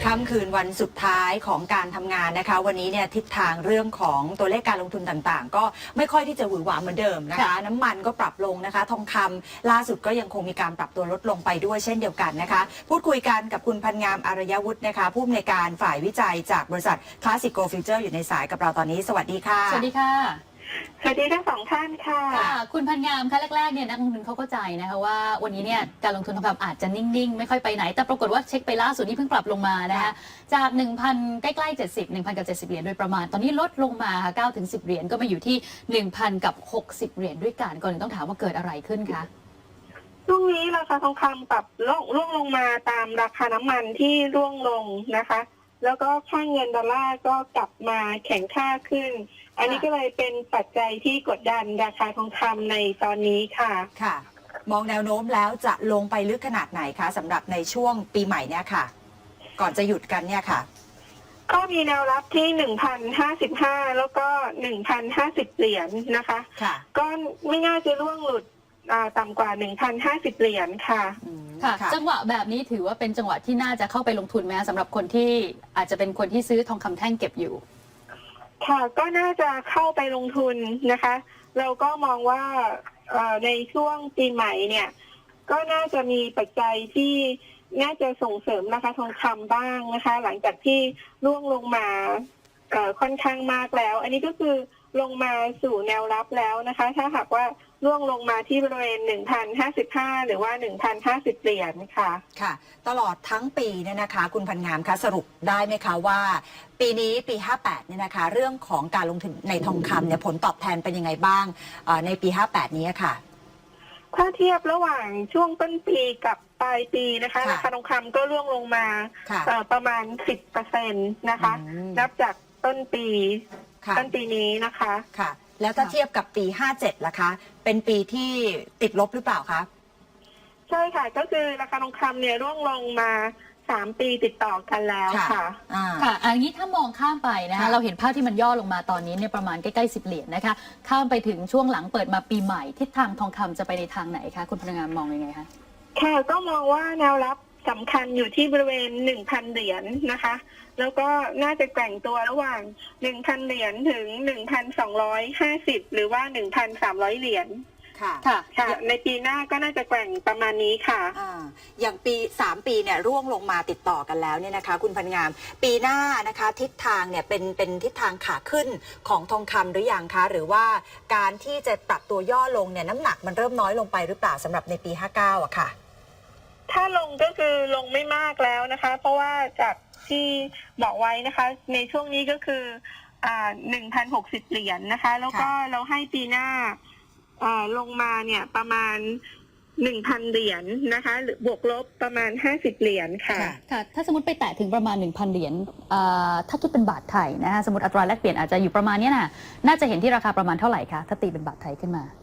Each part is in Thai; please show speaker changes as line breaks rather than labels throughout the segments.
ค่ำคืนวันสุดท้ายของการทำงานนะคะวันนี้เนี่ยทิศทางเรื่องของตัวเลขการลงทุนต่างๆก็ไม่ค่อยที่จะหวือหวาเหมือนเดิมนะคะน้ำมันก็ปรับลงนะคะทองคำล่าสุดก็ยังคงมีการปรับตัวลดลงไปด้วยเช่นเดียวกันนะคะพูดคุยกันกับคุณพันงามอารยวุฒินะคะผู้อำนวยการฝ่ายวิจัยจากบริษัท Classic Gold Future อยู่ในสายกับเราตอนนี้สวัสดีค่ะ
สวัสดีค่ะ
สวัสดีทั้งสองท่านค่ะ
คุณพันงามค่ะแรกๆเนี่ยนักลงทุนเขาเข้าใจนะคะว่าวันนี้เนี่ยการลงทุนทองคำอาจจะนิ่งๆไม่ค่อยไปไหนแต่ปรากฏว่าเช็คไปล่าสุดนี่เพิ่งปรับลงมานะคะจาก 1,000 ใกล้ๆ70 1,000 กับ 70 เหรียญโดยประมาณตอนนี้ลดลงมาค่ะ9 ถึง 10 เหรียญก็มาอยู่ที่ 1,000 กับ 60 เหรียญด้วยกันก่อนต้องถามว่าเกิดอะไรขึ้นคะ
ช่วงนี้ราคาทองคำปรับร่วงลงมาตามราคาน้ำมันที่ร่วงลงนะคะแล้วก็ค่าเงินดอลลาร์ก็กลับมาแข็งค่าขึ้นอันนี้ก็เลยเป็นปัจจัยที่กดดันราคาทองคำในตอนนี้ค่ะ
ค่ะมองแนวโน้มแล้วจะลงไปลึกขนาดไหนคะสำหรับในช่วงปีใหม่เนี่ยค่ะก่อนจะหยุดกันเนี่ยค่ะ
ก็มีแนวรับที่ 1,055 แล้วก็1,050 เหรียญนะคะ
ค่ะ
ก็ไม่น่าจะร่วงหลุดต่ำกว่า 1,050 เหรียญค่ะ
ค่ะจังหวะแบบนี้ถือว่าเป็นจังหวะที่น่าจะเข้าไปลงทุนไหมสำหรับคนที่อาจจะเป็นคนที่ซื้อทองคำแท่งเก็บอยู่
ค่ะก็น่าจะเข้าไปลงทุนนะคะเราก็มองว่าในช่วงปีใหม่เนี่ยก็น่าจะมีปัจจัยที่น่าจะส่งเสริมราคาทองคำบ้างนะคะหลังจากที่ร่วงลงมาค่อนข้างมากแล้วอันนี้ก็คือลงมาสู่แนวรับแล้วนะคะถ้าหากว่าร่วงลงมาที่บริเวณ 1,055 หรือว่า 1,050 เหรียญค่ะ
ค่ะตลอดทั้งปีเนี่ยนะคะคุณพันงามคะสรุปได้ไหมคะว่าปีนี้ปี 58 เนี่ยนะคะเรื่องของการลงทุนในทองคำเนี่ยผลตอบแทนเป็นยังไงบ้างในปี 58 นี้ค่ะ
ถ้าเทียบระหว่างช่วงต้นปีกับปลายปีนะคะราคาทองคำก็ร่วงลงมาประมาณ 10% นะคะนับจากต้นปีนี้นะคะ
ค่ะแล้วถ้าเทียบกับปี 57 ล่ะคะเป็นปีที่ติดลบหรือเปล่าคะ
ใช่ค่ะก็คือราคาทองคำเนี่ยร่วงลงมา3 ปีติดต่อกันแล้วค่ะ
ค่ะอันนี้ถ้ามองข้ามไปนะคะเราเห็นภาพที่มันย่อลงมาตอนนี้เนี่ยประมาณใกล้ๆ10 เหรียญนะคะข้ามไปถึงช่วงหลังเปิดมาปีใหม่ทิศทางทองคำจะไปในทางไหนคะคุณพนักงานมองยังไงคะ
ค่ะก็มองว่าแนวรับสำคัญอยู่ที่บริเวณ 1,000 เหรียญนะคะแล้วก็น่าจะแกว่งตัวระหว่าง 1,000 เหรียญถึง 1,250 หรือว่า 1,300 เหรียญค่ะในปีหน้าก็น่าจะแกว่งประมาณนี้ค่ะ
อย่างปี3 ปีเนี่ยร่วงลงมาติดต่อกันแล้วเนี่ยนะคะคุณพันงามปีหน้านะคะทิศทางเนี่ยเป็นทิศทางขาขึ้นของทองคำหรือยังคะหรือว่าการที่จะปรับตัวย่อลงเนี่ยน้ำหนักมันเริ่มน้อยลงไปหรือเปล่าสำหรับในปี 59อะค่ะ
ถ้าลงก็คือลงไม่มากแล้วนะคะเพราะว่าจากที่บอกไว้นะคะในช่วงนี้ก็คือ1,060 เหรียญนะคะแล้วก็เราให้ปีหน้าลงมาเนี่ยประมาณ 1,000 เหรียญนะคะหรือบวกลบประมาณ50 เหรียญค่ะ
ค่ะถ้าสมมติไปแตะถึงประมาณ 1,000 เหรียญถ้าคิดเป็นบาทไทยนะคะสมมติอัตราแลกเปลี่ยนอาจจะอยู่ประมาณนี้น่าจะเห็นที่ราคาประมาณเท่าไหร่คะถ้าตีเป็นบาทไทยขึ้นมา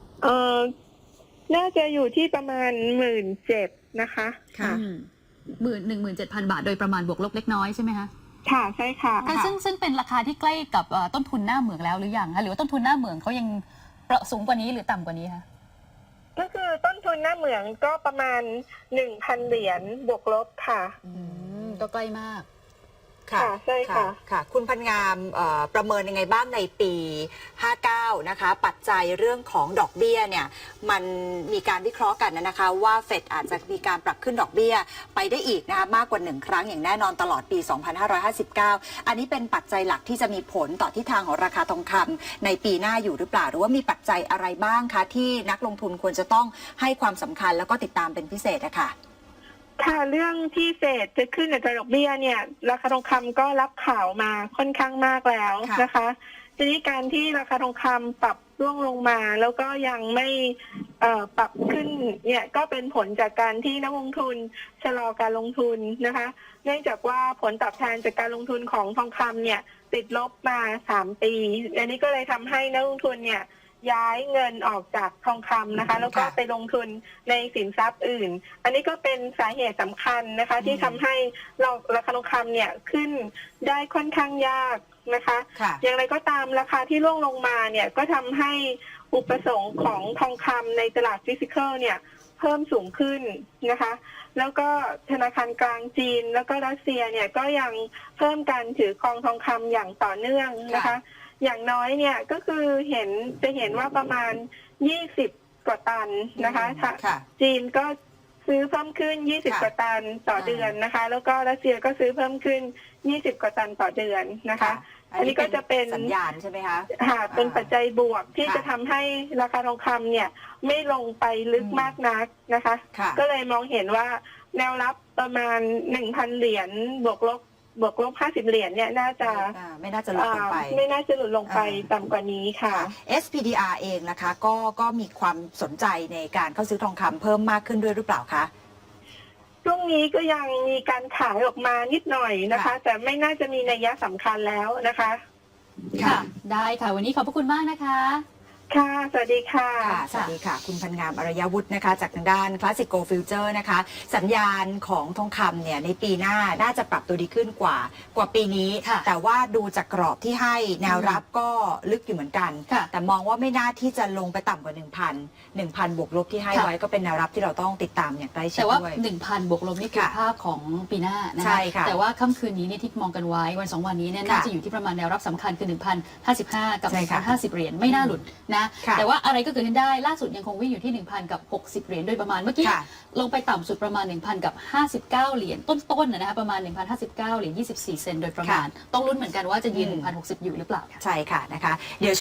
น่าจะอยู่ที่ประมาณ17,000นะคะ
ค่ะ17,000 บาทโดยประมาณบวกลบเล็กน้อยใช่ไหมคะ
ค่ะใช่ค่ะ
ซึ่งเป็นราคาที่ใกล้กับต้นทุนหน้าเหมืองแล้วหรือยังคะหรือว่าต้นทุนหน้าเหมืองเขายังสูงกว่านี้หรือต่ำกว่านี้คะ
ก็คือต้นทุนหน้าเหมืองก็ประมาณ 1,000 เหรียญบวกลบค่ะ
ก็ใกล้มาก
ค่ะใช่ค่ะ
ค่ะคุณพันงามประเมินยังไงบ้างในปี 59 นะคะปัจจัยเรื่องของดอกเบี้ยเนี่ยมันมีการวิเคราะห์กันนะคะว่าเฟดอาจจะมีการปรับขึ้นดอกเบี้ยไปได้อีกนะคะมากกว่า1 ครั้งอย่างแน่นอนตลอดปี 2559 อันนี้เป็นปัจจัยหลักที่จะมีผลต่อทิศทางของราคาทองคำในปีหน้าอยู่หรือเปล่าหรือว่ามีปัจจัยอะไรบ้างคะที่นักลงทุนควรจะต้องให้ความสำคัญแล้วก็ติดตามเป็นพิเศษนะคะ
ค่ะเรื่องที่เฟดจะขึ้นอัตราดอกเบี้ยเนี่ยราคาทองคำก็รับข่าวมาค่อนข้างมากแล้วนะคะทีนี้การที่ราคาทองคำปรับร่วงลงมาแล้วก็ยังไม่ปรับขึ้นเนี่ยก็เป็นผลจากการที่นักลงทุนชะลอการลงทุนนะคะเนื่องจากว่าผลตอบแทนจากการลงทุนของทองคำเนี่ยติดลบมา3 ปีอันนี้ก็เลยทำให้นักลงทุนเนี่ยย้ายเงินออกจากทองคำนะคะแล้วก็ไปลงทุนในสินทรัพย์อื่นอันนี้ก็เป็นสาเหตุสำคัญนะคะที่ทำให้ราคาทองคำเนี่ยขึ้นได้ค่อนข้างยากนะคะอย่างไรก็ตามราคาที่ร่วงลงมาเนี่ยก็ทำให้อุปสงค์ของทองคำในตลาดฟิสิกอลเนี่ยเพิ่มสูงขึ้นนะคะ แล้วก็ธนาคารกลางจีนแล้วก็รัสเซียเนี่ยก็ยังเพิ่มการถือครองทองคำอย่างต่อเนื่องนะคะ อย่างน้อยเนี่ยก็คือจะเห็นว่าประมาณ20กว่าตันนะคะ
ค่ะ
จีนก็ซื้อเพิ่มขึ้น20กว่าตันต่อเดือนนะคะ แล้วก็รัสเซียก็ซื้อเพิ่มขึ้น20กว่าตันต่อเดือนนะคะ อันนี้ก็จะเป็น
สัญญาณใช่ไหมคะ
เป็นปัจจัยบวกที่จะทำให้ราคาทองคำเนี่ยไม่ลงไปลึกมากนักนะคะ ก็เลยมองเห็นว่าแนวรับประมาณ 1,000 เหรียญบวกลบ50 เหรียญเนี่ยน่าจะ
ไม่น่าจะหลุดลงไป
ไม่น่าจะหลุดลงไปต่ำกว่านี้ค่ะ
SPDR เองนะคะก็มีความสนใจในการเข้าซื้อทองคำเพิ่มมากขึ้นด้วยหรือเปล่าคะ
ช่วงนี้ก็ยังมีการขายออกมานิดหน่อยนะคะ แต่ไม่น่าจะมีนัยสำคัญแล้วนะคะ
ค่ะ ได้ค่ะวันนี้ขอบพระคุณมากนะคะ
ค่ะสวัสดีค่ะ
สวัสดีค่ะ คุณพันงามอารยวุฒินะคะจากทางด้าน Classic Gold Future นะคะ สัญญาณของทองคำเนี่ยในปีหน้าน่าจะปรับตัวดีขึ้นกว่าปีนี้ แต่ว่าดูจากกรอบที่ให้แนวรับก็ลึกอยู่เหมือนกัน แต่มองว่าไม่น่าที่จะลงไปต่ำกว่า 1,000 บวกลบที่ให้ไว้ก็เป็นแนวรับที่เราต้องติดตามอย่างใกล้ชิด
แต่ว่า
ด้วย
1,000 บวกลบนี่คือภาพของปีหน้านะ
ใช่
คะ
ค่ะ
แต่ว่าค่ำคืนนี้เนี่ยที่มองกันไว้วัน2วันนี้เนี่ยน่าจะอยู่ที่ประมาณแนวรับสำคัญคือ 1,055 กับ 1,050 เหรียญไม่น่าหลุดนะแต่ว่าอะไรก็เกิดขึ้นได้ล่าสุดยังคงวิ่งอยู่ที่ 1,000 กับ 60 เหรียญโดยประมาณเมื่อกี้ลงไปต่ำสุดประมาณ 1,000 กับ 59 เหรียญต้นๆนะคะประมาณ 1,059 เหรียญ 24 เซนต์โดยประมาณต้องลุ้นเหมือนกันว่าจะยืน 1,060 อยู่หรือเปล่าค่ะ
ใช่ค่ะนะคะเดี๋ยว